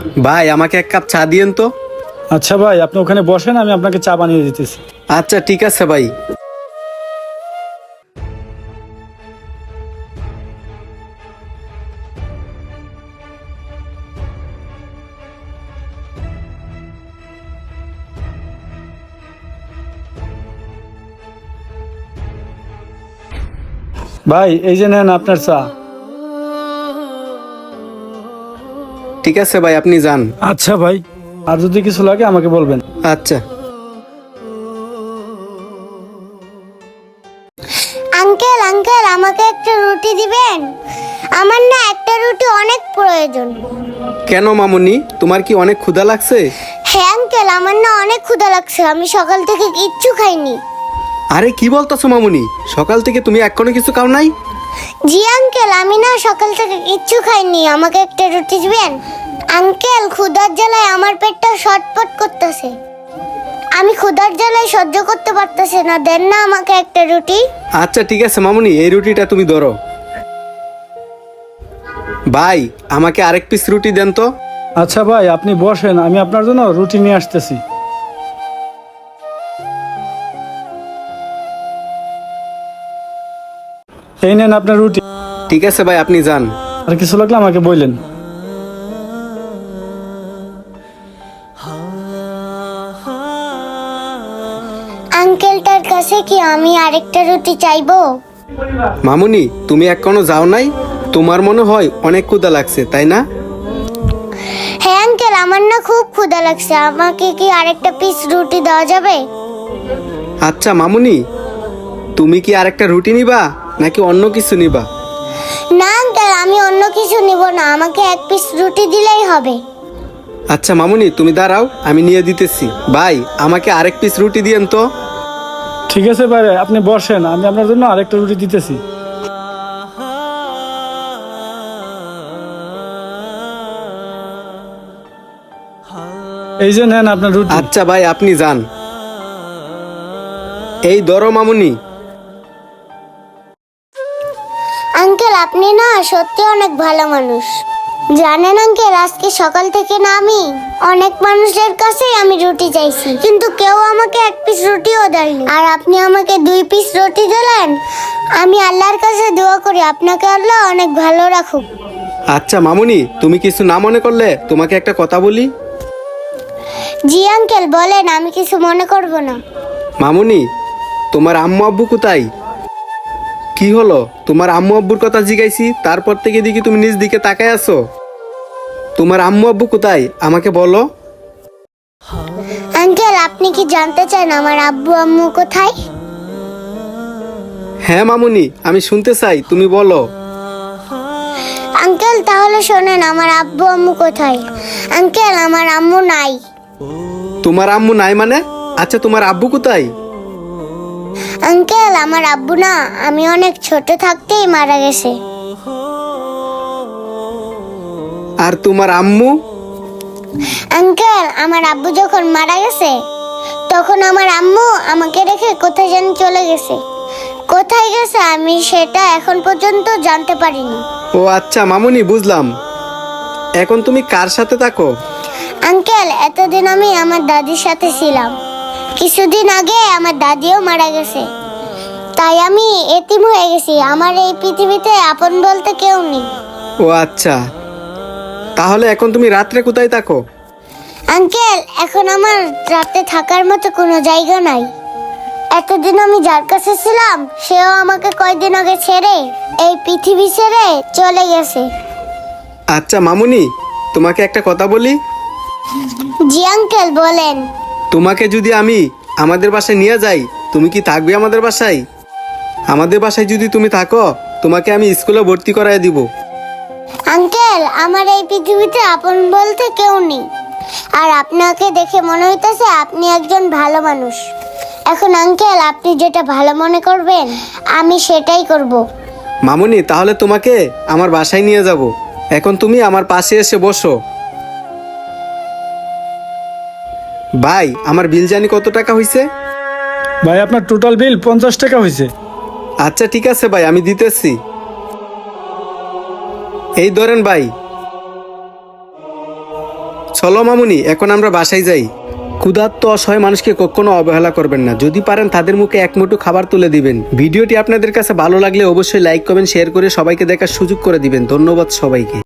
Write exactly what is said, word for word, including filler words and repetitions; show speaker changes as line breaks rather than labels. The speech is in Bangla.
ভাই আমাকে এক কাপ চা দিয়েন তো।
আচ্ছা ভাই, আপনি ওখানে বসেন, আমি আপনাকে চা বানিয়ে দিতেছি।
আচ্ছা ঠিক আছে ভাই।
ভাই এই যে নেন আপনার চা।
ঠিক আছে ভাই, আপনি যান।
আচ্ছা ভাই, আর যদি কিছু লাগে আমাকে বলবেন।
আচ্ছা।
আঙ্কেল আঙ্কেল আমাকে একটা রুটি দিবেন? আমার না একটা রুটি অনেক প্রয়োজন।
কেন মামুনি, তোমার কি অনেক ক্ষুধা লাগছে?
হ্যাঁ আঙ্কেল, আমার না অনেক ক্ষুধা লাগছে, আমি সকাল থেকে কিচ্ছু খাইনি।
আরে কি বলতেছো মামুনি, সকাল থেকে তুমি এখনো কিছু খাও নাই?
জি আঙ্কেল, আমি না সকাল থেকে কিচ্ছু খাইনি, আমাকে একটা রুটি দিবেন? আঙ্কেল ক্ষুধার জ্বালায় আমার পেটটা শটপট করতেছে, আমি ক্ষুধার জ্বালায় সহ্য করতে পারতেছি না, দেন না আমাকে একটা রুটি।
আচ্ছা ঠিক আছে মামুনি, এই রুটিটা তুমি ধরো। ভাই আমাকে আরেক পিস রুটি দেন তো।
আচ্ছা ভাই, আপনি বসেন, আমি আপনার জন্য রুটি নিয়ে আসতেছি। এই নেন আপনার রুটি।
ঠিক আছে ভাই, আপনি যান।
আর কিছু লাগলে আমাকে বললেন।
আঙ্কেলটার কাছে কি আমি আরেকটা রুটি চাইবো?
মামুনি তুমি এখনো যাও নাই? তোমার মনে হয় অনেক ক্ষুধা লাগছে তাই না?
হ্যাঁ আঙ্কেল, আমার না খুব ক্ষুধা লাগছে, আমাকে কি আরেকটা পিস রুটি দেওয়া যাবে?
আচ্ছা মামুনি, তুমি কি আরেকটা রুটি নিবা নাকি অন্য কিছু নিবা?
না আঙ্কেল, আমি অন্য কিছু নিব না, আমাকে এক পিস রুটি দিলেই হবে।
আচ্ছা মামুনি তুমি দাঁড়াও, আমি নিয়ে দিতেছি। ভাই আমাকে আরেক পিস রুটি দিয়েন তো।
ঠিক আছে ভাই, আপনি বসেন, আমি আপনার জন্য আরেকটা রুটি দিতেছি। এই যে নেন আপনার রুটি।
আচ্ছা ভাই, আপনি যান। এই ধরো মামুনি।
আঙ্কেল আপনি না সত্যি অনেক ভালো মানুষ। জানেন আঙ্কেল, আজকে সকাল থেকে না আমি অনেক মানুষের কাছেই আমি রুটি চাইছি, কিন্তু কেউ আমাকে এক পিস রুটিও দেয়নি, আর আপনি আমাকে দুই পিস রুটি দিলেন। আমি আল্লাহর কাছে দোয়া করি আপনাকে আল্লাহ অনেক ভালো রাখুক।
আচ্ছা মামুনি, তুমি কিছু না মনে করলে তোমাকে একটা কথা বলি।
জি আঙ্কেল বলেন, আমি কিছু মনে করব না।
মামুনি, তোমার আম্মু আব্বু কোথায়? কি হলো, তোমার আম্মু আব্বুর কথা জিজ্ঞাইছি, তারপর থেকে দেখি তুমি নিজ দিকে তাকায় আছো। তোমার আম্মু আব্বু কোথায় আমাকে বলো।
আঙ্কেল আপনি কি জানতে চান আমার আব্বু আম্মু কোথায়?
হ্যাঁ মামুনি, আমি শুনতে চাই, তুমি বলো।
আঙ্কেল তাহলে শোনেন, আমার আব্বু আম্মু কোথায়? আঙ্কেল আমার আম্মু নাই।
তোমার আম্মু নাই মানে? আচ্ছা তোমার আব্বু কোথায়?
আঙ্কেল আমার আব্বু না আমি অনেক ছোট থাকতেই মারা গেছে।
আর তোমার আম্মু?
আঙ্কেল আমার আব্বু যখন মারা গেছে তখন আমার আম্মু আমাকে রেখে কোথায় যেন চলে গেছে, কোথায় গেছে আমি সেটা এখন পর্যন্ত জানতে পারিনি।
ও আচ্ছা মামুনি, বুঝলাম। এখন তুমি কার সাথে থাকো?
আঙ্কেল এতদিন আমি আমার দাদির সাথে ছিলাম, কিছুদিন আগে আমার দাদিও মারা গেছে, তাই আমি এতিম হয়ে গেছি, আমার এই পৃথিবীতে আপন বলতে কেউ নেই।
ও আচ্ছা, তাহলে এখন তুমি রাত্রে কোথায় থাকো?
আঙ্কেল এখন আমার রাতে থাকার মতো কোনো জায়গা নাই, এতদিন আমি যার কাছে ছিলাম সেও আমাকে কয়দিন আগে ছেড়ে এই পৃথিবী ছেড়ে চলে গেছে।
আচ্ছা মামুনি, তোমাকে একটা কথা বলি।
জি আঙ্কেল বলেন।
তোমাকে যদি আমি আমাদের বাসায় নিয়ে যাই, তুমি কি থাকবে আমাদের বাসায়? আমাদের বাসায় যদি তুমি থাকো, তোমাকে আমি স্কুলে ভর্তি করায় দিব।
আঙ্কেল আমার এই পৃথিবীতে আপন বলতে কেউ নেই, আর আপনাকে দেখে মনে হইতেছে আপনি একজন ভালো মানুষ। এখন আঙ্কেল আপনি যেটা ভালো মনে করবেন আমি সেটাই করব।
মামুনি তাহলে তোমাকে আমার বাসায় নিয়ে যাব। এখন তুমি আমার পাশে এসে বসো। ভাই আমার বিল জানি কত টাকা হয়েছে?
ভাই আপনার টোটাল বিল পঞ্চাশ টাকা হয়েছে।
আচ্ছা ঠিক আছে ভাই, আমি দিতেছি। এই ধরেন ভাই। চলো মামুনি, এখন আমরা বাসায় যাই। ক্ষুধার্ত অসহায় মানুষকে কখনো অবহেলা করবেন না। যদি পারেন তাদের মুখে এক মুঠো খাবার তুলে দিবেন। ভিডিওটি আপনাদের কাছে ভালো লাগলে অবশ্যই লাইক কমেন্ট শেয়ার করে সবাইকে দেখার সুযোগ করে দিবেন। ধন্যবাদ সবাইকে।